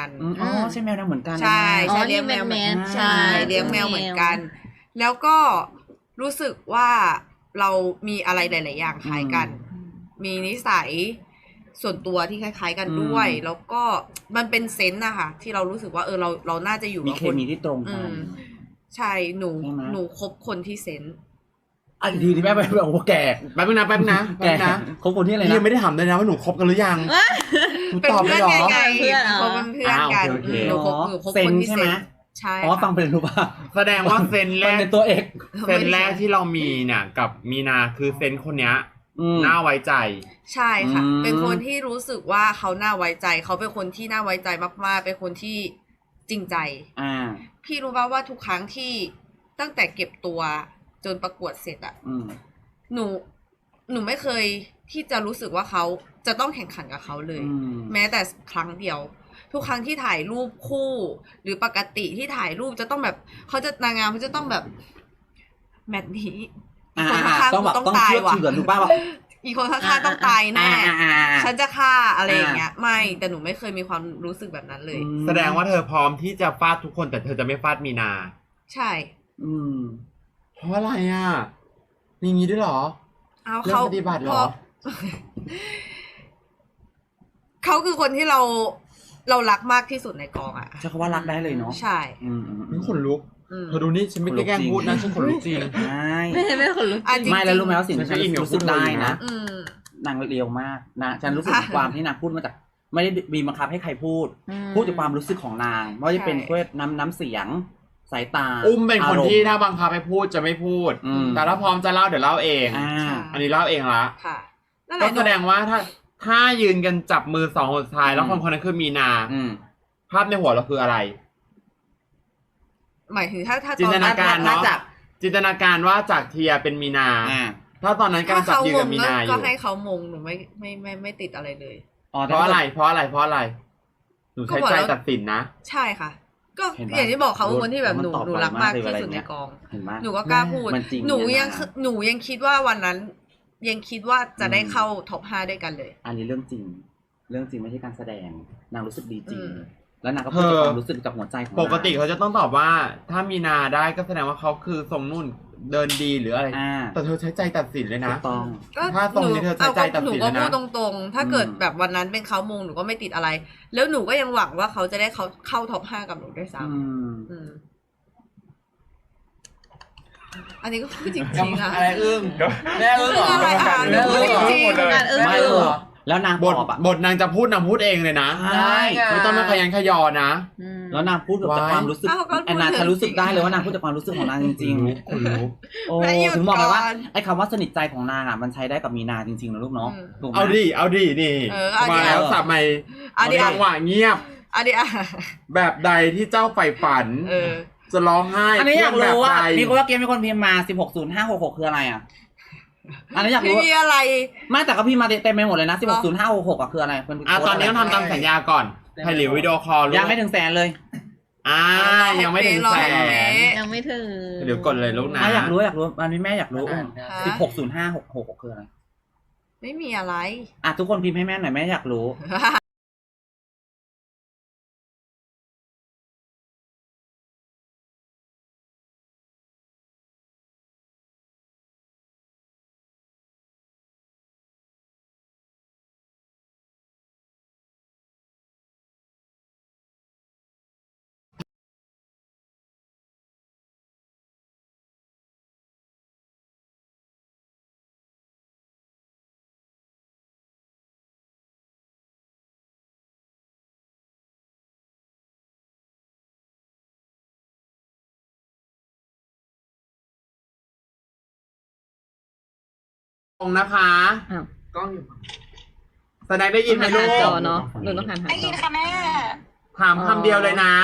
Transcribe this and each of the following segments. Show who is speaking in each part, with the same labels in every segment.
Speaker 1: กัน
Speaker 2: อ๋อใช่แมวเหมือนกัน
Speaker 1: ใช่ใช่
Speaker 3: เลี้
Speaker 1: เลี้
Speaker 3: ย
Speaker 1: ย
Speaker 3: ง
Speaker 1: ง
Speaker 3: แม
Speaker 1: แม
Speaker 3: ว
Speaker 1: ว
Speaker 3: แมน
Speaker 1: ใช่เลี้ยงแมวเหมือนกัน แล้วก็รู้สึกว่าเรามีอะไรหลายๆอย่างคล้ายกัน มีนิสัยส่วนตัวที่คล้ายๆกันด้วย แล้วก็มันเป็นเซนส์นะคะที่เรารู้สึกว่าเราน่าจะอยู่
Speaker 2: มี
Speaker 1: กับ
Speaker 2: เค
Speaker 1: คน
Speaker 2: มีที่ตรงกัน
Speaker 1: ใช่หนู
Speaker 2: ใช่ไหม
Speaker 1: หนูคบคนที่เซนส์
Speaker 2: อ่ะอีกทีที่แม่ไปแบบโอ้โหแก่
Speaker 4: แป๊บนึงนะแป๊บนึงนะ
Speaker 2: แก่ คบคนที่อะไร
Speaker 4: พี่
Speaker 2: นะ
Speaker 4: ยังไม่ได้ถามเลยนะว่าหนูคบกันหรือยังหนู
Speaker 1: เป็น
Speaker 4: ตอบไป
Speaker 1: เพื่อน
Speaker 4: เหรอ
Speaker 1: ไง
Speaker 3: เพื่อน
Speaker 1: คบเป็นเพื่อนกัน
Speaker 4: โอเค
Speaker 1: หนูคบ
Speaker 2: เซ
Speaker 1: คน น
Speaker 2: ส์
Speaker 1: ที่
Speaker 2: ใช่
Speaker 1: เซ
Speaker 2: ไหม
Speaker 1: นส์ใช่
Speaker 2: อ๋อฟังเป็นรู้ป่ะ
Speaker 4: แสดงว่าเซนแร
Speaker 2: มัน
Speaker 4: ก
Speaker 2: เป็นตัวเอก
Speaker 4: เซนแรกที่เรามีเนี่ยกับมีนาคือเซนคนเนี้ย
Speaker 2: ม
Speaker 4: น่าไว้ใจ
Speaker 1: ใช่ค่ะ
Speaker 2: อืม
Speaker 1: เป็นคนที่รู้สึกว่าเขาน่าไว้ใจ เขาเป็นคนที่น่าไว้ใจมากๆ เป็นคนที่จริงใจ
Speaker 2: อ่า
Speaker 1: พี่รู้ป่ะว่าทุกครั้งที่ตั้งแต่เก็บตัวจนประกวดเสร็จอะ
Speaker 2: อืม
Speaker 1: หนูไม่เคยที่จะรู้สึกว่าเขาจะต้องแข่งขันกับเขาเลย
Speaker 2: อืม
Speaker 1: แม้แต่ครั้งเดียว ทุกครั้งที่ถ่ายรูปคู่ หรือปกติที่ถ่ายรูปจะต้องแบบเขาจะนางงามเขาจะต้องแบบแมตช์นี้
Speaker 2: อ่า
Speaker 1: คนข้างๆ
Speaker 2: ต้องแบบ
Speaker 1: กู
Speaker 2: ต้อง
Speaker 1: ตาย
Speaker 2: เชื่อ
Speaker 1: ว่ะ
Speaker 2: ถือถูกป่ะแบบ
Speaker 1: อีกคนข้างๆต้องตายแน่
Speaker 2: อ่า
Speaker 1: ฉันจะฆ่าอะไรอย่างเงี้ย ไม่แต่หนูไม่เคยมีความรู้สึกแบบนั้นเลย
Speaker 4: แสดงว่าเธอพร้อมที่จะฟาดทุกคนแต่เธอจะไม่ฟาดมีนา
Speaker 1: ใช่
Speaker 2: อืม
Speaker 4: เพราะอะไรอ่ะมีงี้ด้วยเหรอ
Speaker 1: เอา
Speaker 4: เรื่อง
Speaker 1: เขา
Speaker 4: ปฏิบัติเหรอ
Speaker 1: พเขาคือคนที่เรารักมากที่สุดในกองอ่ะ
Speaker 2: ใช้คำว่ารักได้เลยเนาะ
Speaker 1: ใช่
Speaker 2: อืมอืมอื
Speaker 4: นี่
Speaker 2: ม
Speaker 4: ขนลุก
Speaker 1: อืม
Speaker 4: เธอดูนี่ฉันไม่ได้แกล้งพูดนะฉันขนลุกจริง
Speaker 2: ใช่
Speaker 3: ไม่คนลุก
Speaker 1: อ่ะจริง
Speaker 2: ไม่แล้วรู้ไหมว่าสิ่งที่
Speaker 4: ฉั
Speaker 2: ฉั
Speaker 4: น
Speaker 2: น
Speaker 4: อินกับ
Speaker 2: รู้สึกได้
Speaker 4: พูดเลย
Speaker 2: นะ
Speaker 4: นะ
Speaker 1: อืม
Speaker 2: นางเรียวมากนะฉันรู้สึกถึงความที่นางพูดมาจาก ไม่ได้มีบังคับให้ใครพูด พูดจากความรู้สึกของนางไม่ว่าจะเป็น
Speaker 1: ใช่
Speaker 2: ด้วยน้ำเสียง สายตา
Speaker 4: อุ้มเป็นคน
Speaker 2: อารมณ์
Speaker 4: ที่ถ้าบังคับให้พูดจะไม่พูด
Speaker 2: อืม
Speaker 4: แต่ถ้าพร้อมจะเล่าเดี๋ยวเล่าเอง
Speaker 2: อ่า
Speaker 4: อันนี้เล่าเองละ
Speaker 1: ค่ะนั่นแห
Speaker 4: ก็
Speaker 1: ละ
Speaker 4: แสดงว่าถ้ายืนกันจับมือสองคนสุดท้ายแล้วคนคนนั้นคือมีนา
Speaker 2: อืม
Speaker 4: ภาพในหัวเราคืออะไร
Speaker 1: หมายถึงถ้า
Speaker 4: จินตนาการ
Speaker 2: ถ้
Speaker 4: เนาะ
Speaker 2: จาก
Speaker 4: จินตนาการว่าจากเทียเป็นมีนา
Speaker 2: อ่า
Speaker 4: ถ้าตอนนั้นกำลั
Speaker 1: ถ้าง
Speaker 4: จับ
Speaker 1: เขา
Speaker 4: ยืน
Speaker 1: ม
Speaker 4: กับ
Speaker 1: ง
Speaker 4: มีนาอ
Speaker 1: ก็
Speaker 4: ยู่
Speaker 1: ให้เขามงหนูไม่ติดอะไรเลย
Speaker 2: อ๋อ
Speaker 4: เพราะอะไร เพราะอะไร เพราะอะไร หนูใช้ใจตัดสินนะ
Speaker 1: ใช่ค่ะ ก็
Speaker 2: เห็นปะ
Speaker 1: อย่างที่บอกเขาเป็นคนที่แบบ
Speaker 2: มัน
Speaker 1: หนู
Speaker 2: ตอบ
Speaker 1: หนู
Speaker 2: ไว
Speaker 1: รักมาก
Speaker 2: มากเลย
Speaker 1: ที่
Speaker 2: อะไร
Speaker 1: สุดใน
Speaker 2: เงี้ย
Speaker 1: กอง
Speaker 2: เห็นไหม
Speaker 1: หนูก็กล้าพูด
Speaker 2: มันจริง
Speaker 1: หนู
Speaker 2: เนี่ย
Speaker 1: ยัง
Speaker 2: นะ
Speaker 1: หนูยังคิดว่าวันนั้น ยังคิดว่าจะได้เข้าท็อป 5 ด้วยกันเลย
Speaker 2: อันนี้เรื่องจริง เรื่องจริงไม่ใช่การแสดง นางรู้สึกดีจริง
Speaker 1: อืม
Speaker 2: แล้วนางก็พูดจากความรู้สึกจากหัวใจของนาง
Speaker 4: ปกติเขาจะต้องตอบว่า ถ้ามีนาได้ก็แสดงว่าเขาคือทรงนุ่นเดินดีหรืออะไร
Speaker 2: อ่า
Speaker 4: แต่เธอใช้ใจตัดสินเลย
Speaker 2: ถู
Speaker 4: นะ
Speaker 2: กต้อง
Speaker 1: ก็
Speaker 4: ถ้าตรงนี้เธอใช้ใจตัดสิน
Speaker 1: หนูก็
Speaker 4: เลยนะ
Speaker 1: พูดตรงๆ ถ้าเกิดแบบวันนั้นเป็นเขามงหนูก็ไม่ติดอะไร แล้วหนูก็ยังหวังว่าเขาจะได้เข้าท็อป 5 กับหนูด้วยซ้
Speaker 2: อืม
Speaker 1: ำอันนี้ก็พูดจริงๆอะ
Speaker 4: อะไรอึ้งแม่อึ้งเหรอ
Speaker 1: อะไรอ่ะ
Speaker 4: แม่อึ้งเหรอ
Speaker 1: จริงๆ
Speaker 3: การอึ้ง
Speaker 2: ไม่
Speaker 3: อยู่
Speaker 2: หรอกแล้วนาง
Speaker 4: บบ ท
Speaker 2: อกอ่ะ
Speaker 4: บทนางจะพูดนางพูดเองเลยนะ
Speaker 2: ใช่
Speaker 4: ไม่ต้องมาขยันขยอนะ
Speaker 2: แล้วนางพูดจากความรู้สึก
Speaker 1: อ้าวก็พูด
Speaker 2: แอนนา
Speaker 1: ถึง
Speaker 2: ฉันรู้สึกได้เลยว่านางพูดจากความรู้สึกของนางจริงๆ
Speaker 4: คนลุก
Speaker 2: โอ้
Speaker 1: แม่หยุด
Speaker 2: ถึงบอกไปว่า
Speaker 1: ก่อน
Speaker 2: ไอ้คำว่าสนิทใจของนางอ่ะมันใช้ได้กับมีนาจริงๆนะลูกเนาะ
Speaker 1: อืม
Speaker 2: ถูกไหม
Speaker 4: เอาดิ เอาดิ นี่
Speaker 1: เออเอาดิ
Speaker 4: มาแล้วสับใหม่
Speaker 1: เอาดิ
Speaker 4: จังหวะเงียบ
Speaker 1: อันนี้อ่ะ
Speaker 4: แบบใดที่เจ้าใฝ่ฝัน
Speaker 1: เออ
Speaker 4: จะร้องไห้
Speaker 2: อันนี้อยาก
Speaker 4: เพื่
Speaker 2: รู้ว่า
Speaker 4: แบบใด
Speaker 2: มีคนว่าเกมมีคนพิมพ์มา 160566 คืออะไรอ่ะ อันนี้อยาก
Speaker 1: ไม่
Speaker 2: รู้
Speaker 1: มีอะไร
Speaker 2: ไม่แต่ก็พิมพ์มาเต็มไปหมดเลยนะ 160566อ่ะคืออะไรเป็น
Speaker 4: ตอนนี้ต้องทำตามสัญญาก่อนไทยหลิววิดีโอคอล
Speaker 2: ยังไม่ถึงแสนเลย
Speaker 4: ยังไม่ถึงแสน
Speaker 3: ยังไม่ถึง
Speaker 4: เดี๋ยวกดเลยลูกนะ
Speaker 2: อยากรู้อันนี้แม่อยากรู้
Speaker 1: ฮะ
Speaker 2: 160566คืออะไร
Speaker 1: ไม่มีอะไร
Speaker 2: อ่ะทุกคนพิมพ์ให้แม่หน่อยแม่อยากรู้
Speaker 4: ตรงนะคะ
Speaker 3: อ้าว
Speaker 4: กล้องอยู่แสดงได้ยินไหมลู
Speaker 3: หาก จอเนาะหนูต้องหันหา
Speaker 5: ได้
Speaker 3: จ
Speaker 5: ยิ
Speaker 3: อน
Speaker 5: ค่ะแม่
Speaker 4: ถามคำเดียวเลยนะ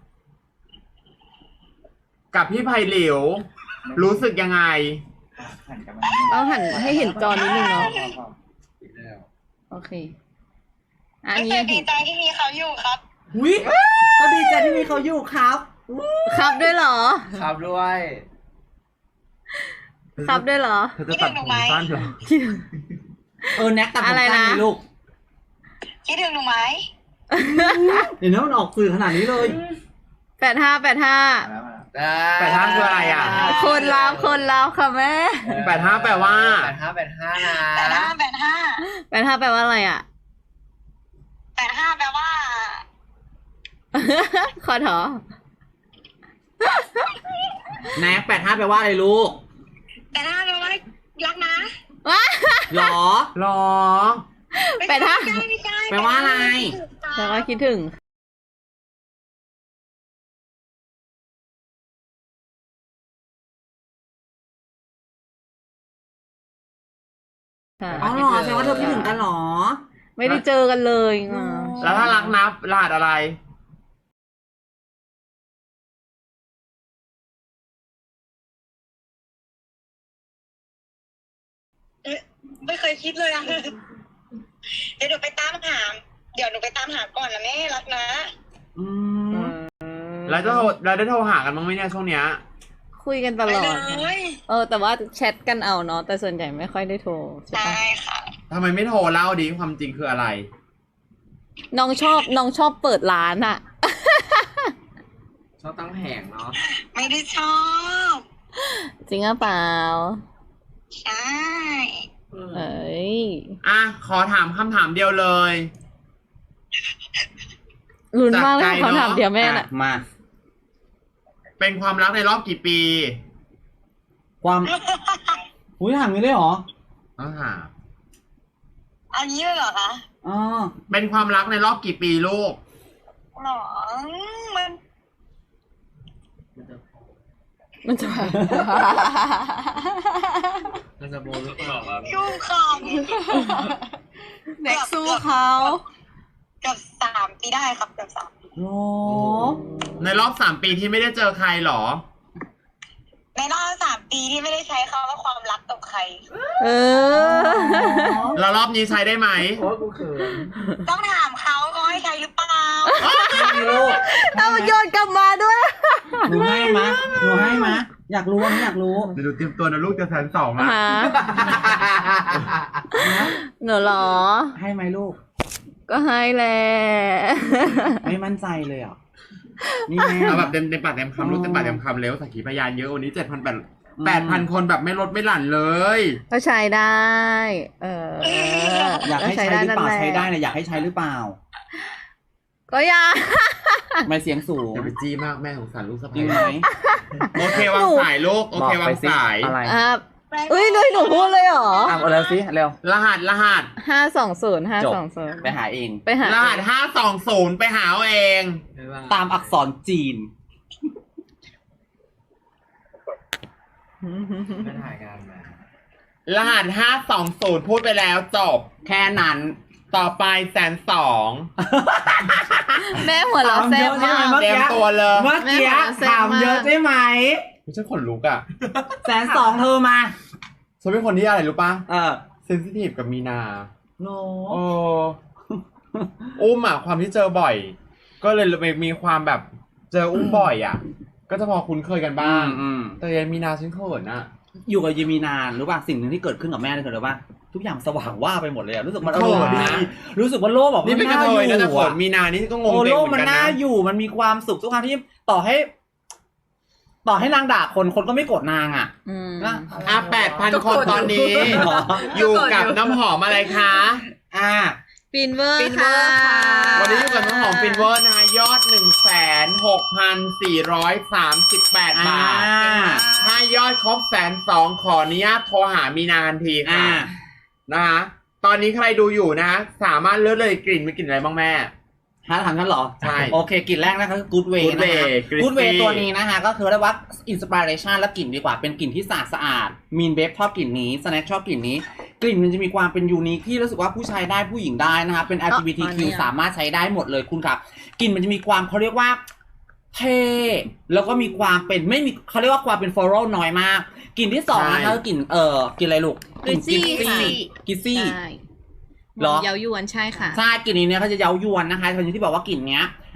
Speaker 4: กับพี่ไผ่หลิว รู้สึกยังไง
Speaker 3: ต้องหันให้เห็นจอนิดนึงเนาะโอเคอัน
Speaker 5: รู้
Speaker 3: นี้
Speaker 5: สึกดีใจที่มีเขาอยู่ครับ
Speaker 2: อุ้ยก็ดีใจที่มีเขาอยู่ครับ
Speaker 3: ครับด้วยเหรอ
Speaker 4: ครับด้วย
Speaker 3: ครับด้วยเหรอ
Speaker 4: เธอจะตัดผมสั้นเหรอ
Speaker 2: แน็กตัดผม
Speaker 3: อะไร
Speaker 2: สั้น
Speaker 3: นะ
Speaker 2: เลยลูก
Speaker 5: คิดถึงหนูไหม
Speaker 2: เดี๋ยวนี้มันออกสื่อขนาดนี้เลย
Speaker 3: 85
Speaker 4: 85คืออะไรอ่ะ
Speaker 3: คนรับค่ะแม่
Speaker 4: 85แปลว่า
Speaker 5: 85นะ
Speaker 3: 85แปลว่าอะไรอ่ะ
Speaker 5: 85แปลว่า
Speaker 3: ขอถอ
Speaker 2: แน็ก85แปลว่าอะไรลูก
Speaker 5: 85แปลว่ารักนะ
Speaker 3: ว้า
Speaker 2: หรอ
Speaker 4: หรอ
Speaker 5: ไม่ใช่ไม่ใช่
Speaker 2: แปลว่าอะไร
Speaker 3: แปลว่าคิดถึงค่ะ
Speaker 2: อ๋อเหรอแสดงว่าเธอคิดถึงกันเหรอ
Speaker 3: ไม่ได้เจอกันเลยอ่ะ
Speaker 4: แล้วถ้ารักนับรหัสอะไร
Speaker 5: ไม่เคยคิดเลยอะเดี๋ยวหนูไปตามหาก่อนนะแม่รักนะ
Speaker 2: อืม
Speaker 4: แล้วได้โทรหากันบ้างไหมเนี่ยช่วงเนี้ย
Speaker 3: คุยกันต
Speaker 5: ไป
Speaker 3: ลอ
Speaker 5: เล
Speaker 3: ด
Speaker 5: ย
Speaker 3: แต่ว่าแชทกันเอาเนาะแต่ส่วนใหญ่ไม่ค่อยได้โทรใช่
Speaker 5: ใช่
Speaker 3: ปะ
Speaker 5: ค่ะ
Speaker 4: ทำไมไม่โทรเล่าดิความจริงคืออะไร
Speaker 3: น้องชอบเปิดร้านอ่ะ
Speaker 6: ชอบตั้งแผงเนาะ
Speaker 5: ไม่ได้ชอบ
Speaker 3: จริงหรือเปล่า
Speaker 5: ใช่
Speaker 3: เอ้ย
Speaker 4: อ่ะ ขอถามคำถามเดียวเลย
Speaker 3: ลุ้นมากเลย
Speaker 4: จากใจเนอะ
Speaker 3: เขาถามเดี๋ยวแม่น่ะ
Speaker 2: มา
Speaker 4: เป็นความรักในรอบกี่ปี
Speaker 2: ความอุ้ยถามนี้เลยเหรอ
Speaker 4: ต้องถาม
Speaker 5: เอางี้เลยเหรอคะ
Speaker 2: อ๋อ
Speaker 4: เป็นความรักในรอบกี่ปีลูก
Speaker 5: หรอมัน
Speaker 3: มันจะ
Speaker 6: มันจะโบหรือเปล่าครับ
Speaker 5: ยุ่งค
Speaker 1: แน็กสู้เขา
Speaker 5: ำเกือบ3 ปีได้ครับเกือบ3 ปี
Speaker 2: โอ้
Speaker 4: ในรอบ3 ปีที่ไม่ได้เจอใครเหรอ
Speaker 5: ในรอบ3 ปีที่ไม่ได้ใช้คำว่าความรักกับใคร
Speaker 3: เออ
Speaker 4: แล้วรอบนี้ใช้ได้ไหม
Speaker 6: โอ้กูเขิน
Speaker 5: ต้องถามเขาให้ใช้หรือเปล่า
Speaker 2: ไม่ลูก
Speaker 3: เอาโยนกลับมาด้วย
Speaker 2: หนูให้มะอยากรู้อันนี้อยากรู้
Speaker 4: เดี๋ยวดูเตรียมตัวนะลูกจะ120,000ละ
Speaker 3: ฮะหนูเหรอ
Speaker 2: ให้ไหมลูก
Speaker 3: ก็ให้แหละ
Speaker 2: ไม่มั่นใจเลยอ่ะ นี่แม่
Speaker 4: เอาแบบเต็มปากเต็มคำลูกเต็มปากเต็มคำเร็วสักขีพยานเยอะวันนี้8,000 คนแบบไม่ลดไม่หลั่นเลย
Speaker 3: ก็ใช้ได้
Speaker 2: อยากให้ใช้หรือเปล่า
Speaker 3: ก็
Speaker 2: ใช้
Speaker 3: นั่นแหละ
Speaker 2: ได้นะอยากให้ใช้หรือเปล่า
Speaker 3: ก็อยาก
Speaker 2: ไม่เสียงสูง
Speaker 4: อย่าไปจี้มากแม่สงสารลูกสะ
Speaker 2: จริ
Speaker 4: ใภ้
Speaker 2: งไหม
Speaker 4: โอเควางสายลูก โอเควางสาย
Speaker 2: อะไร
Speaker 3: เอ้ยด้วยหนูพูดเลยเหรอ
Speaker 2: เอาเร็วสิเร็ว
Speaker 4: รหัส
Speaker 3: 520
Speaker 2: ไปหาเอง
Speaker 3: ไปหาร
Speaker 4: หัส520ไปหาเอาเอง
Speaker 6: ไม่ว่า
Speaker 2: ตามอักษรจีน
Speaker 6: ไม่ถ่ายงานมาร
Speaker 4: หัส520พูดไปแล้วจบ
Speaker 2: แค่นั้น
Speaker 4: ต่อไป120,000
Speaker 3: แม่หัวเราะแซ่บมาก
Speaker 4: เตรียมตัวเลย
Speaker 2: เมื่อกี้
Speaker 3: แม่บอกว่าแซ่บ
Speaker 2: ถามเยอะ
Speaker 3: มาก
Speaker 2: ใช่ไหม
Speaker 4: ไม่ใช่ขนลุกอ่ะ
Speaker 2: 120,000เธอมา
Speaker 4: ฉันเป็นคนที่อะไรรู้ปะ
Speaker 2: เออ
Speaker 4: เซนซิทีฟกับมีนา
Speaker 2: โน
Speaker 4: โอ้อุ้มอ่ะความที่เจอบ่อย ก็เลยมีความแบบเจออุ้มบ่อยอ่ะ ก็จะพอคุ้นเคยกันบ้าง แต่ยังมีนาฉันเขินอ่ะ
Speaker 2: อยู่กับยีมีนานรู้ป่ะสิ่งหนึ่งที่เกิดขึ้นกับแม่เลยคืออะไรป่ะทุกอย่างสว่างว่าไปหมดเลยอะรู้สึกมัน
Speaker 4: เขิน
Speaker 2: ดี
Speaker 4: นะ
Speaker 2: รู้สึกว่าโลกแบบ
Speaker 4: นี่เป็นกระเทยนะแต่เขิน
Speaker 2: อะ
Speaker 4: มีนานี่ก็งง
Speaker 2: โอ้
Speaker 4: เด็
Speaker 2: โล
Speaker 4: ก
Speaker 2: ก
Speaker 4: เหมื
Speaker 2: มัน
Speaker 4: อนกัน
Speaker 2: น่า
Speaker 4: นะ
Speaker 2: อยู่มันมีความสุขทุกครั้งที่ต่อให้นางด่าคนก็ไม่โกรธนางอ่ะ
Speaker 3: อืม
Speaker 2: นะ
Speaker 4: 8,000 คนตอนนี้
Speaker 2: เหรอ
Speaker 4: อยู่กับน้ำหอมอะไรคะ
Speaker 2: อ่า
Speaker 3: ฟินเวอร์
Speaker 1: ฟินเวอร์ค่ะ
Speaker 4: วันนี้อยู่กับน้ำหอมฟินเวอร์นะยอด 106,438 บาท ถ้ายอดครบ102,000ขออนุญาตโทรหามีนาทันทีค่ะ นะคะตอนนี้ใครดูอยู่นะ สามารถเลือกเลยกลิ่นมีกลิ่นอะไรบ้างแม่
Speaker 2: ถามกันเหรอ
Speaker 4: ใช่
Speaker 2: โอเคกลิ่นแรกนะคะคือ Good Way
Speaker 4: Good
Speaker 2: นะคะ
Speaker 4: Way Crispy
Speaker 2: Good Way ตัวนี้นะคะก็คือเรียกว่า Inspiration และกลิ่นดีกว่าเป็นกลิ่นที่สะอาดมีนเบฟชอบกลิ่นนี้สแน็คชอบกลิ่นนี้ กลิ่นมันจะมีความเป็นยูนิคที่รู้สึกว่าผู้ชายได้ผู้หญิงได้นะคะเป็น LGBTQ สามารถใช้ได้หมดเลยคุณครับกลิ่นมันจะมีความเขาเรียกว่าเท่แล้วก็มีความเป็นไม่มีเขาเรียกว่าความเป็น floral น้อยมากกลิ่นที่สองนะคะคือกลิ่นกลิ่นอะไรลูกกลิ่น กิซซี่
Speaker 3: ใช่
Speaker 2: เหรอ
Speaker 3: เยาวยวนใช่ค่ะ
Speaker 2: ใช่กลิ่นนี้เนี่ยเขาจะเย้ายวนนะคะตอนนี้ที่บอกว่ากลิ่นเนี้ย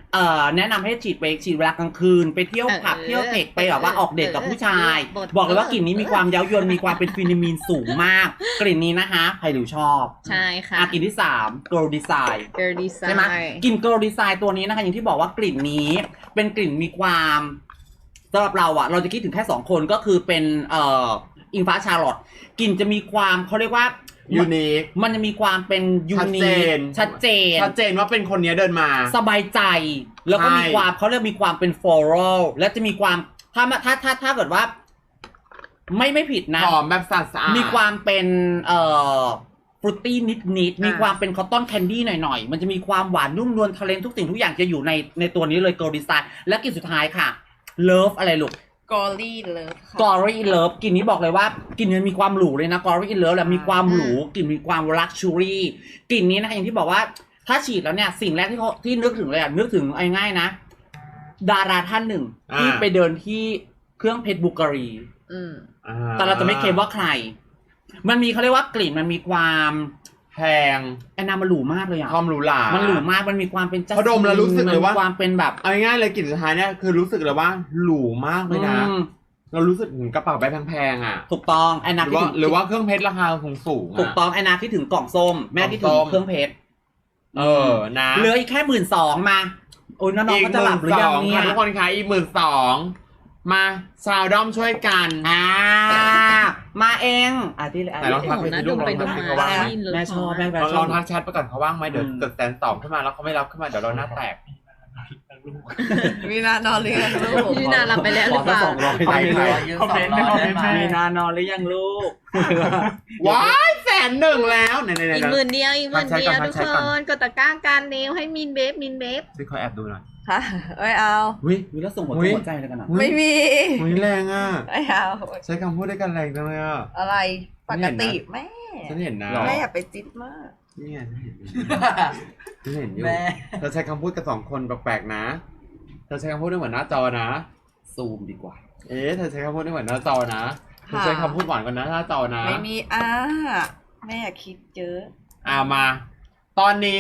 Speaker 2: แนะนำให้ฉีดเวลากลางคืนไปเที่ยวผับเที่ยวเทคไปแบบว่าออกเดทกับผู้ชาย บอกเลยว่ากลิ่นนี้มีความเย้ายวนมีความเป็นฟินิมีนสูงมาก กลิ่นนี้นะคะใครหรือชอบ
Speaker 3: ใช่ค่ะ
Speaker 2: กลิ่นที่3 Girl Design
Speaker 3: Girl Design
Speaker 2: ใช่ไหมกลิ่น Girl Design ตัวนี้นะคะอย่างที่บอกว่ากลิ่นนี้เป็นกลิ่นมีความสำหรับเราอะเราจะคิดถึงแค่2คนก็คือเป็นอิงฟ้าชาร์ลอตกลิ่นจะมีความเขาเรียกว่า
Speaker 4: ยูนิค
Speaker 2: มันจะมีความเป็นยูนิคชัดเจน
Speaker 4: ว่าเป็นคนนี้เดินมา
Speaker 2: สบายใจแล้วก็
Speaker 4: ใช่
Speaker 2: มีความเขาเรียกมีความเป็นฟลอรัลและจะมีความถ้าเกิดว่า ไม่ผิดนะ
Speaker 4: หอมแบบสะอาด
Speaker 2: มีความเป็นฟรุตตี้นิดมีความเป็นคอตตอนแคนดี้หน่อยๆมันจะมีความหวานนุ่มนวลทะเลนทุกสิ่งทุกอย่างจะอยู่ในตัวนี้เลย Girl Design และกลิ่นสุดท้ายค่ะ Love อะไรลูก
Speaker 1: Gory Love ค่ะ
Speaker 2: Gory in Love กลิ่นนี้บอกเลยว่ากลิ่นนี้มีความหรูเลยนะ Gory in Love แหละมีความหรูกลิ่นมีความ luxury กลิ่นนี้นะคะอย่างที่บอกว่าถ้าฉีดแล้วเนี่ยสิ่งแรกที่นึกถึงเลยนึกถึงง่ายๆนะ ดาราท่านหนึ่งที่ไปเดินที่เครื่องเพชรบุการีแต่เราจะไม่เคลมว่าใครมันมีเขาเรียกว่ากลิ่นมันมีความ
Speaker 4: แพง
Speaker 2: แอนนามันหรูมากเลยอะ
Speaker 4: ความหรูหรา
Speaker 2: มันหรูมากมันมีความเป็นจัส
Speaker 4: พอดมแล้วรู้สึกเลยว่า
Speaker 2: ความเป็นแบบ
Speaker 4: เอาง่ายๆเลยกลิ่นสุดท้ายเนี่ยคือรู้สึกเลยว่าหรูมากเลยนะ เรารู้สึกถึงกระเป๋าใบแพงๆอ่ะ
Speaker 2: ถูกต้องแอนนา
Speaker 4: หรือว่าเครื่องเพชรราคาสูงๆ
Speaker 2: ถูกต้องแอนนาคิดถึงกล่องส้มแม่คิดถึงเครื่องเพชร
Speaker 4: นะ
Speaker 2: เหลืออีกแค่12,000มาโอ้ยน้องๆก็จะหลับหรือยังเนี่ย
Speaker 4: ทุกคนคะอีก12,000มาชาวด้อมช่วยกัน
Speaker 2: มาเองที่
Speaker 4: แต่ลองทักไปดูลองทักไปเขาว่างไหม
Speaker 2: แม่ชอบแม่
Speaker 4: ลองทักแชทไปก่อนเขาว่างไหมเดี๋ยวเกิด120,000ขึ้นมาแล้วเขาไม่รับขึ้นมาเดี๋ยวเราหน้าแตก
Speaker 1: มีนานอนหรือยังลูก
Speaker 3: มีนาหลับไปแล้วหรือเปล่า
Speaker 6: ไปคอมเมนต์
Speaker 2: มีนานอนหรือยังลูก
Speaker 4: ว้าย100,000แล้วไหนๆๆ
Speaker 3: อีกหมื่นเดียวทุก
Speaker 4: ทักแชท
Speaker 3: ค
Speaker 4: ก่อน
Speaker 3: นกดตะกร้าการเนวให้มินเบฟ
Speaker 4: ซิขอแอบดูหน่อย
Speaker 1: ฮะไม่เอา
Speaker 4: วิ
Speaker 2: มีแล้วส่งหัวใจอะไรกันอ่ะ
Speaker 1: ไม่มี
Speaker 4: วิแรงอ่ะ
Speaker 1: ไม่เอา
Speaker 4: ใช้คำพูดด้วยกันแรงจังเลยอ่ะ
Speaker 1: อะไรปกติแม่
Speaker 4: ฉันเห็นนะ
Speaker 1: แม่อย่าไปจิ๊ดมาก
Speaker 4: นี่ไงฉันเห็นอยู่
Speaker 6: แม่
Speaker 4: เธอใช้คำพูดกับ2คนแปลกๆนะเธอใช้คำพูดได้เหมือนหน้าจอนะ
Speaker 2: ซูมดีกว่า
Speaker 4: เธอใช้คำพูดได้เหมือนหน้าจอนะเธอใช้คำพูดหวานกว่าหน้าจอนะ
Speaker 1: ไม่มีแม่อย่าคิดเยอะ
Speaker 4: มา ตอนนี้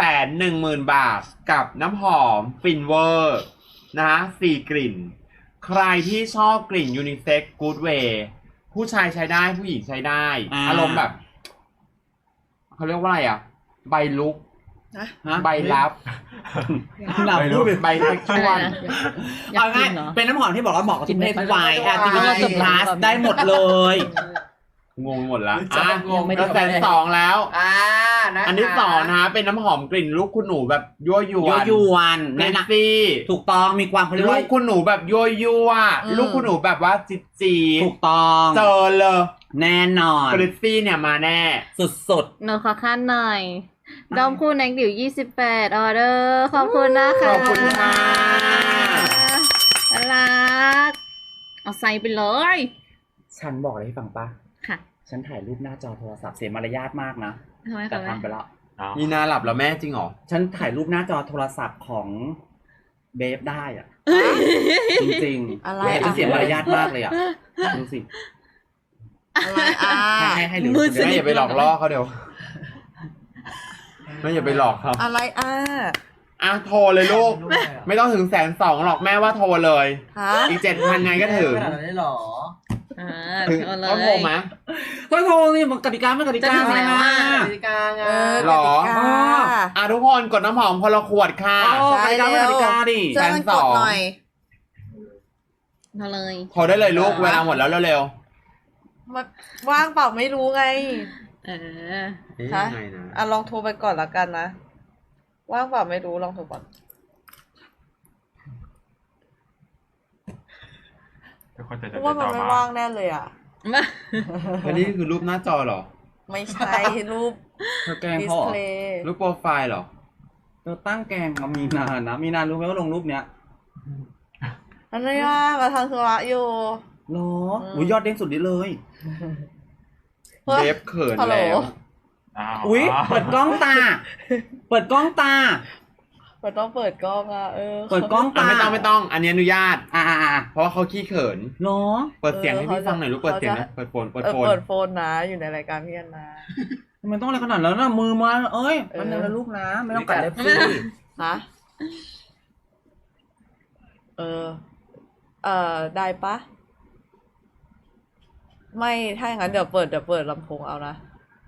Speaker 4: 110,000 บาทกับน้ำหอมฟินเวอร์นะ4 กลิ่น ใครที่ชอบกลิ่นยูนิเซ็กซ์กู๊ดเวย์ผู้ชายใช้ได้ผู้หญิงใช้ได้ อารมณ์แบบเขาเรียกว่าอะไรอ่ะ ใบลุกใบลับ
Speaker 2: หนับพูดเป็น
Speaker 4: ใบเซ็กชวล
Speaker 3: อยากกิ
Speaker 2: ง่าย
Speaker 3: นเหรอ
Speaker 2: เป็นน้ำหอมที่บอกว่าเหมาะกับทุกเพศทุกวัยLGBT+ ได้หมดเลย
Speaker 4: งงหมดละ
Speaker 3: ยังไม่ได้
Speaker 4: 120,000แล้ว
Speaker 6: นะคะ
Speaker 4: อันที่2นะเป็นน้ำหอมกลิ่นลูกคุณหนูแบบยั่วยวน
Speaker 2: ยวน
Speaker 4: เน
Speaker 2: แนะน
Speaker 4: ซี่
Speaker 2: ำถูกต้องมีความเขาเรียก
Speaker 4: ลู
Speaker 2: ว่าก
Speaker 4: คุณหนูแบบยั่วลูกคุณหนูแบบว่าจี
Speaker 2: ถูกต้อง
Speaker 4: เจอเลย
Speaker 2: แน่นอน
Speaker 4: กริซซี่เนี่ยมาแน่
Speaker 2: สุด
Speaker 3: หนูขอขั้นหน่อยดอมคู่แน็กดิว28ออเดอร์ขอบคุณนะคะ
Speaker 4: ขอบคุณค่ะ
Speaker 3: น่ารักเอาใส่ไปเลย
Speaker 2: ๆฉันบอกอะไรให้ฟังปะ
Speaker 3: ค่ะ
Speaker 2: ฉันถ่ายรูปหน้าจอโทรศัพท์เสียมารยาทมากนะ
Speaker 3: ทำไม
Speaker 2: แต่
Speaker 3: คะ
Speaker 2: ทำไปแล้ว
Speaker 4: มีนาหลับแล้วแม่จริงเหรอ
Speaker 2: ฉันถ่ายรูปหน้าจอโทรศัพท์ของเบฟได้อ่ะ จริงๆ
Speaker 1: อะไร
Speaker 2: ฉันเสียมารยาทมากเลยอ่ะดูสิ
Speaker 1: อะไร
Speaker 2: ให้หรือ
Speaker 4: แม่อย่าไปหลอกล่อเขาเดี๋ยวแม่อย่าไปหลอกเขา
Speaker 1: อะไร
Speaker 4: โทรเลยลูก ไม่ต้องถึง120,000หรอกแม่ว่าโทรเลย
Speaker 1: ฮะ
Speaker 4: อีก7,000ไงก็ถึง
Speaker 6: ขนาดนั้นได้หรอ
Speaker 4: ถึง
Speaker 3: เอาเล
Speaker 4: เขาโทร
Speaker 3: ย
Speaker 4: ไหม
Speaker 2: ก็โทรนี่มันกติกาไม่กติกา
Speaker 3: จะถึง
Speaker 2: อะไร
Speaker 3: แล้ว
Speaker 2: นะ
Speaker 3: อะ
Speaker 6: กติกาไง
Speaker 4: หรอ
Speaker 1: กติกา
Speaker 4: ทุกคนกดน้ำหอมคนละขวดค่ะ
Speaker 2: โอ้กติกาไม่กติกาดิ
Speaker 1: ช่วยมันกดหน่อย
Speaker 3: เอาเลย
Speaker 4: โทรได้เลยลูกเวลาหมดแล้วเร็ว
Speaker 1: มันว่างเปล่าไม่รู้ไง
Speaker 3: เออ
Speaker 4: ๆ
Speaker 1: ฮะ
Speaker 4: ยังไงนะ
Speaker 1: ลองโทรไปก่อนละกันนะ ว่างเปล่าไม่รู้ลองโทรก่อน เพราะว่ามันไม่ว่างแน่เลยอ่ะ
Speaker 4: อันนี้คือรูปหน้าจอเหรอ
Speaker 1: ไม่ใช่รูป
Speaker 2: เธอแกล้ง
Speaker 1: ดิส
Speaker 2: เขาเหรอ
Speaker 1: เพลย์
Speaker 4: รูปโปรไฟล์เหรอ
Speaker 2: เธอตั้งแกล้งกับมีนานะมีนารู้ไหมว่าลงรูปเนี้ย
Speaker 1: อะไรมาทำธุระอยู่
Speaker 2: หรออุ้ยยอดเด้งสุดนี้เลย
Speaker 1: เฮ้ย
Speaker 4: เบฟเขิน
Speaker 1: ฮัลโหล
Speaker 4: แล้ว
Speaker 2: อุ้ยเปิดกล้องตา เปิดกล้องตา
Speaker 1: มันต้องเปิดกล้อง
Speaker 2: เปิดกล้องตา
Speaker 4: ไม่ต้อง อันนี้อนุญาต
Speaker 2: อ่า
Speaker 4: เพราะว่าเขาขี้เขิน
Speaker 2: หรอ
Speaker 4: เปิดเสียงให้พี่ฟังหน่อยลูก เปิดเสียงนะเปิดโฟน
Speaker 1: เปิดโฟนนะ อยู่ในรายการพี่แอนนา
Speaker 2: ทำไมต้องอะไรขนาดนั้นนะมือมาเอ้ยมันนะลูกนะ ไม่ต้องกัดเล็บสิ
Speaker 1: ฮะเออ ได้ปะไม่ถ้าอย่างนั้นเดี๋ยวเปิดลำโพงเอานะ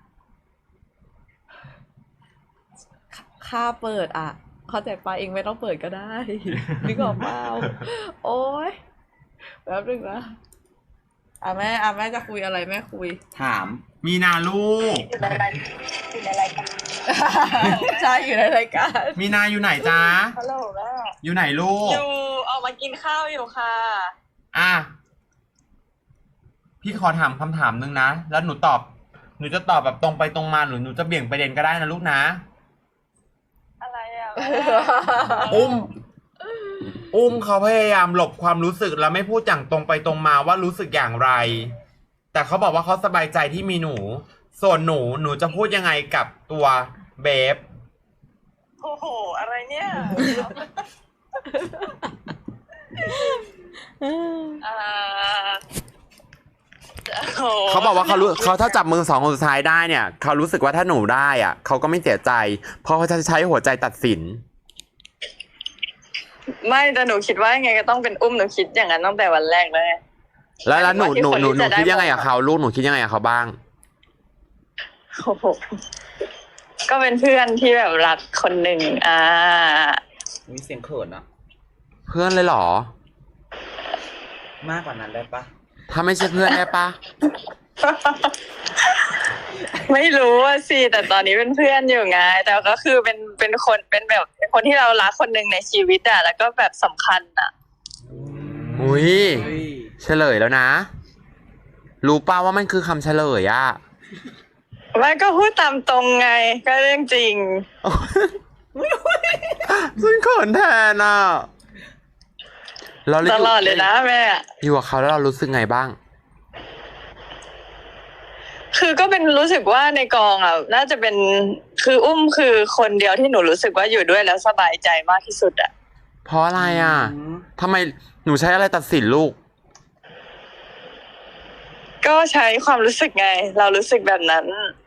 Speaker 1: ค่าเปิดอ่ะ เข้าใจปะเองไม่ต้องเปิดก็ได้ นึกออกเปล่าโอ๊ยแป๊บนึงนะแม่จะคุยอะไรแม่คุย
Speaker 2: ถาม
Speaker 4: มีนาลูก
Speaker 5: อยู่ในรายการ
Speaker 1: ใช่อยู่ในรายการ
Speaker 4: มีนาอยู่ไหนจ๊ะ
Speaker 5: ฮัลโหลแม่
Speaker 4: อยู่ไหนลูก
Speaker 5: อยู่ออกมากินข้าวอยู่ค่ะ
Speaker 4: อ่ะ พี่ขอถามคำถามนึงนะ แล้วหนูจะตอบแบบตรงไปตรงมาหนูจะเบี่ยงประเด็นก็ได้นะลูกนะ
Speaker 5: อะไรอ่ะ
Speaker 4: อุ้มเขาพยายามหลบความรู้สึกแล้วไม่พูดอย่างตรงไปตรงมาว่ารู้สึกอย่างไร แต่เขาบอกว่าเขาสบายใจที่มีหนู ส่วนหนูจะพูดยังไงกับตัวเบฟ
Speaker 5: โอ้โห อะไรเนี่ย
Speaker 4: เขาบอกว่าเขาถ้าจับมือสองคนสุดท้ายได้เนี่ยเขารู้สึกว่าถ้าหนูได้อ่ะเขาก็ไม่เสียใจ เพราะเขาจะใช้หัวใจตัดสิน
Speaker 7: ไม่แต่หนูคิดว่ายังไงก็ต้องเป็นอุ้มหนูคิดอย่างนั้นตั้งแต่วันแรกเลย
Speaker 4: แล้วหนู
Speaker 7: ที่คนที่จะได้
Speaker 4: คิดยังไงกับเขาลูกหนูคิดยังไงกับเขาบ้าง
Speaker 7: โอ้โหก็เป็นเพื่อนที่แบบรักคนหนึ่ง
Speaker 2: มีเสียงเขินอะ
Speaker 4: เพื่อนเลยเหรอ
Speaker 2: มากกว่านั้นได้ปะ
Speaker 4: ถ้าไม่ใช่เพื่อนได้ปะ
Speaker 7: ไม่รู้ว่าสิแต่ตอนนี้เป็นเพื่อนอยู่ไงแต่ก็คือเป็นคนเป็นแบบเป็นคนที่เรารักคนหนึ่งในชีวิตอะแล้วก็แบบสำคัญอะ
Speaker 4: อุ้ยเฉลยแล้วนะ รู้ป่าวว่ามันคือคำเฉลยอ่ะ
Speaker 7: ไม่ก็พูดตามตรงไงก็เรื่องจริง
Speaker 4: ซึ่งเขินแทนอ่ะเรา
Speaker 7: ตลอดเลยนะแม่
Speaker 4: อยู่กับเขาแล้วเรารู้สึกไงบ้าง
Speaker 7: คือก็เป็นรู้สึกว่าในกองอ่ะน่าจะเป็นคืออุ้มคือคนเดียวที่หนูรู้สึกว่าอยู่ด้วยแล้วสบายใจมากที่สุดอ่ะ
Speaker 4: เพราะอะไรอ่ะทำไมหนูใช้อะไรตัดสินลูก
Speaker 7: ก็ใช้ความรู้สึกไง เรารู้สึกแบบนั้น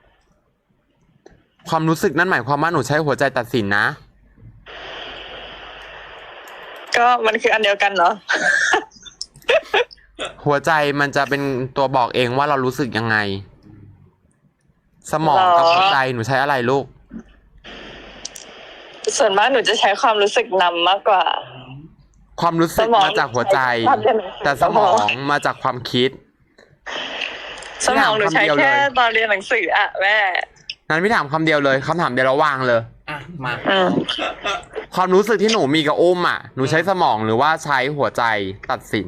Speaker 4: ความรู้สึกนั่นหมายความว่าหนูใช้หัวใจตัดสินนะ
Speaker 7: ก็มันคืออันเดียวกันเหรอ
Speaker 4: หัวใจมันจะเป็นตัวบอกเองว่าเรารู้สึกยังไง สมองกับหัวใจหนูใช้อะไรลูก
Speaker 7: ส่วนมากหนูจะใช้ความรู้สึกนำมากกว่า
Speaker 4: ความรู้สึกมาจากหัวใจ แต่สมองมาจากความคิด
Speaker 7: สมองหนูใช้แค่ตอนเรียนหนังสืออะแม่
Speaker 4: นั้นพี่ถามคำเดียวเลยคำถามเดียวแล้ววางเลย
Speaker 2: อ่ะ มา
Speaker 4: ความรู้สึกที่หนูมีกับอุ้มอ่ะหนูใช้สมองหรือว่าใช้หัวใจตัดสิน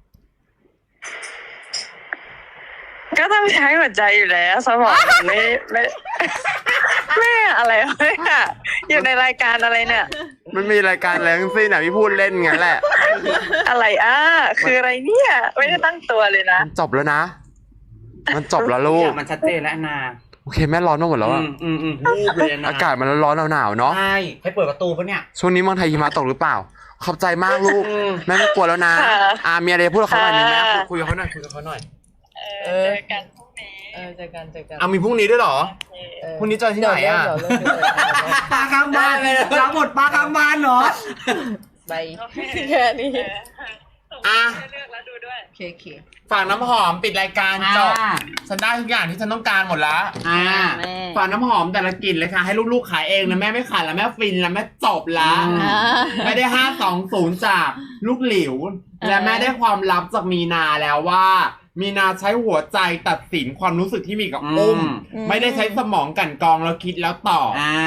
Speaker 7: ก็ต้องใช้หัวใจอยู่แล้วสมองไม่แม่อะไรวะเนี่ยอยู่ในรายการอะไรเนี่ย
Speaker 4: มันมีรายการอะไรทั้งสิ้นอ่ะพี่พูดเล่นงั้นแหละ
Speaker 7: อะไรคืออะไรเนี่ยไม่ได้ตั้งตัวเลยนะ
Speaker 4: มันจบแล้วนะ มันจบแล้วลูก
Speaker 2: มันชัดเจนแล้วแอนนา
Speaker 4: โอเคแม่ร้อนมาหมดแล้วอะ
Speaker 2: รูปเลยนะ
Speaker 4: อากาศมันร้อนๆหนาวๆเนาะ
Speaker 2: ใช่ให้เปิดประตูปะเนี่ย
Speaker 4: ช่วงนี้เมืองไทยหิมะตกหรือเปล่า ขอบใจมากลูก แม่ไม่กลัวแล้วนะ
Speaker 7: ค่ะ
Speaker 4: มีอะไรพูดกับเขาหน่อยนึงแม่
Speaker 7: ค่ะ
Speaker 4: คุยกับเขาหน่อยคุยกับเขาหน่อย
Speaker 7: เจอกันพรุ่งนี้
Speaker 1: เจอกัน
Speaker 4: เอามีพรุ่งนี้ด้วยเหรอพรุ่งนี้เจอที่ไหนอ่ะ
Speaker 1: เดี๋ยวเริ่ม
Speaker 2: ปลาข้างบ้านรับบทปลาข้างบ้านเหรอ
Speaker 1: ไปแค่นี้
Speaker 4: อ่ะ
Speaker 7: เลือกแล้วดูด้วย
Speaker 1: โอเค
Speaker 4: ฝากน้ำหอมปิดรายการจบ
Speaker 2: อ่า
Speaker 4: ฉันได้ทุกอย่างที่ฉันต้องการหมดแล้ว
Speaker 3: แม่
Speaker 4: ฝากน้ำหอมแต่ละกลิ่นเลยค่ะ ให้ลูกๆขายเองนะแม่ไม่ขายแล้วแม่ฟินแล้วแม่จบละ ไม่ได้520จากลูกหลิว และแม่ได้ความลับจากมีนาแล้วว่า มีนาใช้หัวใจตัดสินความรู้สึกที่มีกับอุ้ม ไม่ได้ใช้สมองกลั่นกรองแล้วคิดแล้วตอบ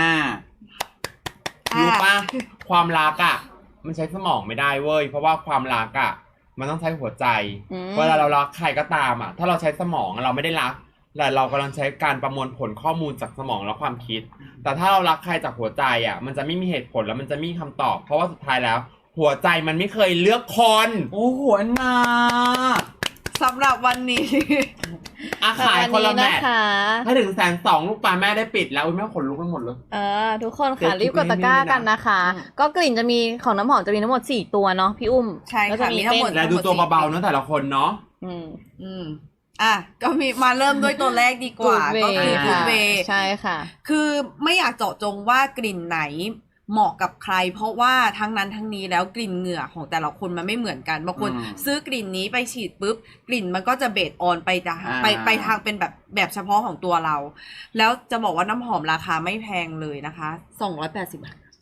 Speaker 4: รู้ปะความรักอ่ะ มันใช้สมองไม่ได้เว้ยเพราะว่าความรักอ่ะ มันต้องใช้หัวใจ เวลาเรารักใครก็ตามอ่ะ ถ้าเราใช้สมองเราไม่ได้รักแต่เรากำลังใช้การประมวลผลข้อมูลจากสมองและความคิด แต่ถ้าเรารักใครจากหัวใจอ่ะ มันจะไม่มีเหตุผลแล้วมันจะไม่มีคำตอบ เพราะว่าสุดท้ายแล้ว หัวใจมันไม่เคยเลือกคน
Speaker 2: โอ้โหแอนนา
Speaker 1: สำหรับวันนี้
Speaker 4: ขายคนละแมท
Speaker 3: นะคะ
Speaker 4: ถ้าถึง120,000ลูกปลาแม่ได้ปิดแล้วอุ๊ยแม่ขนลุกไปหมดเลย
Speaker 3: ทุกคน
Speaker 4: เดี๋ย
Speaker 3: ค่ะ
Speaker 4: ว
Speaker 3: รีบกดตะกร้ากันนะคะ ก็กลิ่นจะมีของน้ำหอมจะมีทั้งหมด4ตัวเนาะพี่อุ้ม
Speaker 1: ใช่ค่ะ
Speaker 3: แล้วจะ
Speaker 1: มีทั้งหมด
Speaker 4: และดูตัวเบาๆเนอะแต่ละคนเนาะ
Speaker 3: อืม
Speaker 1: ก็มีมาเริ่มด้วยตัวแรกดีกว่า
Speaker 3: Good Way
Speaker 1: ก็คือ Good
Speaker 3: ค่ะ
Speaker 1: Way
Speaker 3: ใช่ค่ะ
Speaker 1: คือไม่อยากเจาะจงว่ากลิ่นไหนเหมาะกับใคร เพราะว่าทั้งนั้นทั้งนี้แล้วกลิ่นเหงื่อของแต่ละคนมันไม่เหมือนกันบางคนซื้อกลิ่นนี้ไปฉีดปุ๊บกลิ่นมันก็จะเบสออนไปทางเป็นแบบเฉพาะของตัวเรา แล้วจะบอกว่าน้ำหอมราคาไม่แพงเลยนะคะ285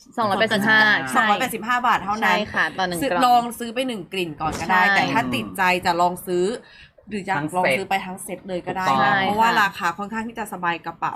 Speaker 3: 285
Speaker 1: บาทเท่านั้น
Speaker 3: ใช่ค่ะต่อ1 กล่อง
Speaker 1: ลองซื้อไป1กลิ่นก่อนก็ได้
Speaker 3: ใช่
Speaker 1: แต่ถ้าติดใจจะลองซื้อ หรือจะลองซื้อไปทั้งเซ็ตเลยก็ได้
Speaker 2: ถูกต้
Speaker 1: นะ
Speaker 2: อง
Speaker 1: เพราะว่าราคาค่อนข้างที่จะสบายกระเป๋า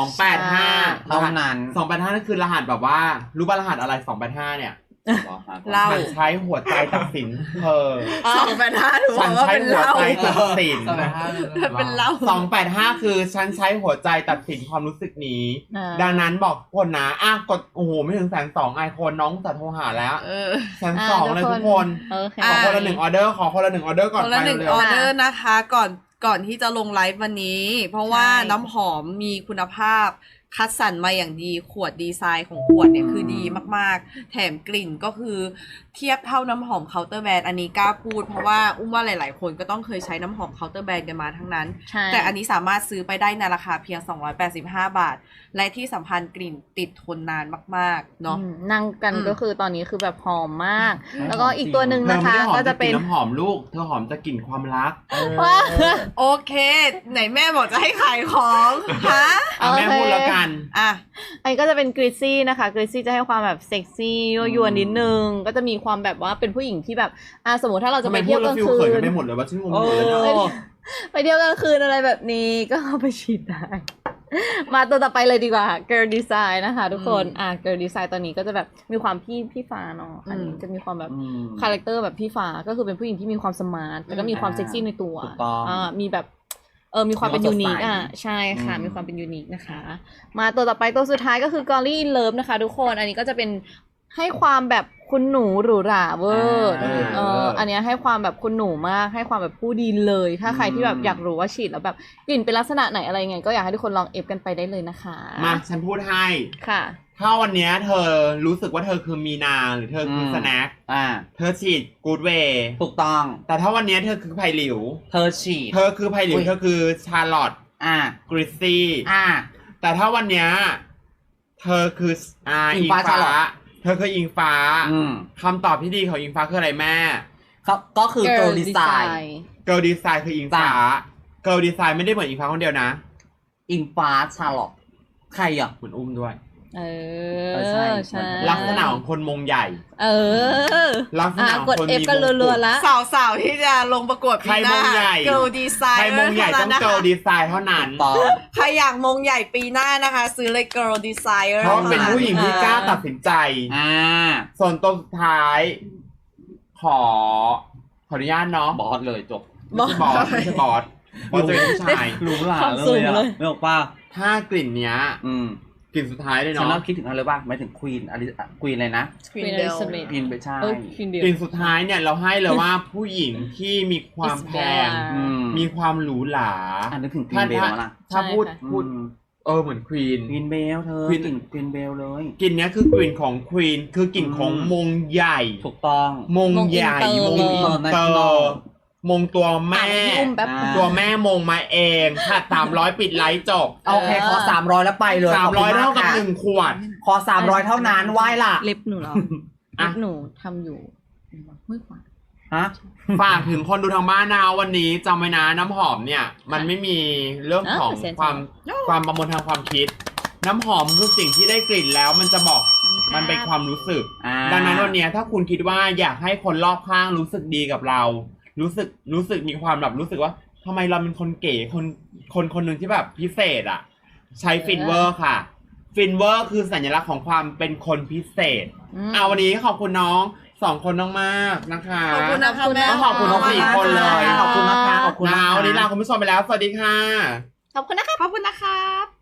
Speaker 4: 285
Speaker 2: เท่านั้น
Speaker 4: 285นั่นคือรหัสแบบว่ารู้ป่ะรหัสอะไร285เนี่ย
Speaker 1: เหล้า
Speaker 4: ฉันใช้หัวใจตัดสินเธอ
Speaker 1: 285ถือ
Speaker 4: ฉัน
Speaker 1: ว่า
Speaker 4: ใช้
Speaker 1: เป็น
Speaker 4: หัว
Speaker 1: เหล้า
Speaker 4: ใจตัดสิน
Speaker 1: เป็นเหล้า
Speaker 4: 285คือฉันใช้หัวใจตัดสินความรู้สึกนี้
Speaker 3: อ่า
Speaker 4: ดังนั้นบอกคนนะกดโอ้โหไม่ถึง120,000ไอคนน้องจะโทรหาแล้ว 120,000เลยทุกคน
Speaker 3: โอเค
Speaker 4: ขอคนละ1 ออเดอร์ขอคนละ1 ออเดอร์ก่อน
Speaker 1: คน
Speaker 4: ไป
Speaker 1: ละหนึ่ง
Speaker 4: เร็ว
Speaker 1: ออเดอร์นะคะก่อนที่จะลงไลฟ์วันนี้ เพราะว่าน้ำหอมมีคุณภาพคัดสรรมาอย่างดีขวดดีไซน์ของขวดเนี่ยคือดีมากๆ แถมกลิ่นก็คือเทียบเท่าน้ำหอมเคาน์เตอร์แบรนด์อันนี้กล้าพูดเพราะว่าอุ้มว่าหลายๆคนก็ต้องเคยใช้น้ำหอมเคาน์เตอร์แบรนด์กันมาทั้งนั้น
Speaker 3: ใช่
Speaker 1: แต่อันนี้สามารถซื้อไปได้ในราคาเพียง285 บาท และที่สำคัญกลิ่นติดทนนานมากๆเนาะ
Speaker 3: นั่งกัน
Speaker 1: อืม
Speaker 3: ก็คือตอนนี้คือแบบหอมมาก แล้วก็อีกตัวหนึ่ง
Speaker 4: เธอ
Speaker 3: นะ
Speaker 4: ไม่
Speaker 3: คะ
Speaker 4: ได้หอม
Speaker 3: ก็
Speaker 4: จะ
Speaker 3: จะ
Speaker 4: ก
Speaker 3: เป็
Speaker 4: ลิ่
Speaker 3: น
Speaker 4: นน้ำหอมลูกเธอหอมจะกลิ่นความรัก
Speaker 3: ว้า
Speaker 1: โอเค ไหนแม่บอกจะให้ขายของฮะ
Speaker 4: แม่พูดแล้วกัน
Speaker 1: อ่ะ
Speaker 3: อันนี้ก็จะเป็นกริซซี่นะคะกริซซี่จะให้ความแบบเซ็กซี่ยั่วยวนนิดนึงก็จะมีความแบบว่าเป็นผู้หญิงที่แบบสมมติถ้าเราจะ
Speaker 4: ทำ
Speaker 3: ไป
Speaker 4: ไมพู
Speaker 3: เที่ย
Speaker 4: ด
Speaker 3: วก
Speaker 4: แล้ว
Speaker 3: ลาง
Speaker 4: ฟิล
Speaker 3: คื
Speaker 4: เขิน
Speaker 3: น
Speaker 4: กันไปหมดเลยว่าฉันงงหมดเลยนะ
Speaker 3: ไปเที่ยวกลางคืนอะไรแบบนี้ก็เอาไปฉีดได้ มาตัวต่อไปเลยดีกว่า Girl Design นะคะทุกคนGirl Design ตอนนี้ก็จะแบบมีความพี่ฟ้าเนาะอันนี้จะมีความแบบคาแรคเตอร์แบบพี่ฟ้าก็คือเป็นผู้หญิงที่มีความสมาร์ทแต่ก็มีความเซ็กซี่ในตัว
Speaker 2: ถูกต้อง
Speaker 3: มีแบบมีความเป็น
Speaker 2: มี
Speaker 3: ยู
Speaker 2: ความสด
Speaker 3: นิ
Speaker 2: ใส
Speaker 3: คใช่ค่ะ
Speaker 2: อืม
Speaker 3: มีความเป็นยูนิคนะคะ มาตัวต่อไปตัวสุดท้ายก็คือ Golly in Love นะคะทุกคนอันนี้ก็จะเป็นให้ความแบบคุณหนูหรูหราเวอร์อันเนี้ยให้ความแบบคุณหนูมากให้ความแบบผู้ดีเลย ถ้าใครที่แบบอยากรู้ว่าฉีดแล้วแบบกลิ่นเป็นลักษณะไหนอะไรยังไงก็อยากให้ทุกคนลองเอฟกันไปได้เลยนะคะ
Speaker 4: มาฉันพูดให้
Speaker 3: ค่ะ
Speaker 4: ถ้าวันเนี้ยเธอรู้สึกว่าเธอคือมีนาหรือเธอคือสแน็ค เธอฉีดกูดเวย์
Speaker 2: ถูกต้อง
Speaker 4: แต่ถ้าวันเนี้ยเธอคือไผ่หลิว
Speaker 2: เธอฉีด
Speaker 4: เธอคือไผ่หลิว
Speaker 2: อุ๊ย
Speaker 4: เธอคือชาร์ลอต กริซซี่ แต่ถ้าวันเนี้ยเธอคือ
Speaker 2: อิงฟ้า Charlotte
Speaker 4: เธอคืออิงฟ้า คำตอบที่ดีของอิงฟ้าคืออะไรแม่
Speaker 2: ก็คือ Girl Design
Speaker 4: เกิร์ลดีไซน์คืออิงฟ้า
Speaker 2: จ้ะ
Speaker 4: เกิร์ลดีไซน์ไม่ได้เหมือนอิงฟ้าคนเดียวนะ
Speaker 2: อิงฟ้าชาร์ลอตใครอ่ะ
Speaker 4: เหมือนอุ้มด้วย
Speaker 3: ใช่
Speaker 4: ลักษณะของคนมงใหญ่ ลักษณะของ
Speaker 3: กด
Speaker 4: คน
Speaker 3: เอฟ
Speaker 4: มี
Speaker 3: กัน
Speaker 4: มง
Speaker 3: รั
Speaker 4: กุ
Speaker 3: ว
Speaker 4: ฎ
Speaker 3: ๆละ
Speaker 1: สาวๆที่จะลงประกวดปีห
Speaker 4: ใครม
Speaker 1: น้าง
Speaker 4: ใหญ่
Speaker 1: Girl Design
Speaker 4: ใครมงใหญ่ต้อง
Speaker 1: นะคะ
Speaker 4: เกิร์ลดีไซน์เท่านั้น
Speaker 2: ต่อ
Speaker 1: ใครอยากมงใหญ่ปีหน้านะคะ ซื้อเลย Girl Designer
Speaker 4: เพราะเป็นผู้หญิงที่กล้าตัดสินใจ ส่วนตัวสุดท้าย ขออนุญาตเนาะ
Speaker 2: บอสเลยจบ
Speaker 4: ไม่ใช่บอสเพราะจะเป็นผู้ชาย
Speaker 2: หรูหรา
Speaker 3: ความ
Speaker 2: เล
Speaker 3: สู
Speaker 2: ย
Speaker 3: ง
Speaker 2: อ่ะ
Speaker 3: เลย
Speaker 2: ไม่บอกป้า
Speaker 4: ถ้ากลิ่นเนี้ย กลิ่นสุดท้ายเลย
Speaker 2: ฉัน
Speaker 4: เนาะ
Speaker 2: เริ่มคิดถึงอะไรป่ะหมายถึงควีนควีนอะไรนะ
Speaker 3: Queen Elizabeth
Speaker 2: ควีนไปใช่
Speaker 4: กลิ่นสุดท้ายเนี่ยเราให้เลยว่าผู้หญิงที่มีความแพง มีความหรูหรา
Speaker 2: นึกถึงควีนเบลมาละ
Speaker 4: ถ้าพูด
Speaker 3: ใช่ค่ะ
Speaker 4: พูดเหมือนควีน
Speaker 2: ควีนเบลเธอ
Speaker 4: Queen
Speaker 2: กลิ่นควีนเบลเลย
Speaker 4: กลิ่นเนี้ยคือกลิ่นของควีนคือกลิ่นของมงใหญ่
Speaker 2: ถูกต้อง
Speaker 4: มงใหญ่
Speaker 3: ม
Speaker 4: ม
Speaker 3: ง
Speaker 4: ง
Speaker 3: อิ
Speaker 4: อิ
Speaker 3: น
Speaker 4: น
Speaker 3: เตอร์
Speaker 4: เตอร์มงตัวแม่
Speaker 3: พี่อุ้มแป๊บ
Speaker 4: ตัวแม่มงมาเองค่ะ300 ปิดไลฟ์จบ
Speaker 2: โอเคขอ300แล้วไปเลยขบคุณ
Speaker 4: 300 เท่ากับ
Speaker 2: ค่ะ
Speaker 4: 1 ขวด
Speaker 2: ขอ300เท่านั้นไหว้ล่ะ
Speaker 3: เล็บหนูเหรอ
Speaker 4: อ่ะ
Speaker 3: เล็บหนูทำอยู่ไม่ขวา
Speaker 2: ฮะ
Speaker 4: ฝากถึงคนดูทางบ้านนะวันนี้จำไว้นะน้ำหอมเนี่ย มันไม่มีเรื่องของ
Speaker 3: เสียใจ
Speaker 4: ความประมวลทางความคิด น้ำหอมคือสิ่งที่ได้กลิ่นแล้วมันจะบอกมันเป็นความรู้สึก ดังนั้นวันเนี้ยถ้าคุณคิดว่าอยากให้คนรอบข้างรู้สึกดีกับเรา รู้สึกมีความแบบรู้สึกว่าทำไมเราเป็นคนเก๋คนหนึ่งที่แบบพิเศษอ่ะ ใช้ฟินเวอร์ค่ะ ฟินเวอร์คือสัญลักษณ์ของความเป็นคนพิเศษวันนี้ขอบคุณน้อง2 คนมากๆนะคะ
Speaker 1: ขอบคุณนะคะแม่
Speaker 4: ต้องขอบคุณน้อง4 คนเลย
Speaker 2: ขอบคุณนะคะขอบคุณนะคะ
Speaker 4: วันนี้ลาคุณผู้ชมไปแล้วสวัสดีค่ะ
Speaker 3: ขอบคุณนะคะ
Speaker 1: ขอบคุณนะครับ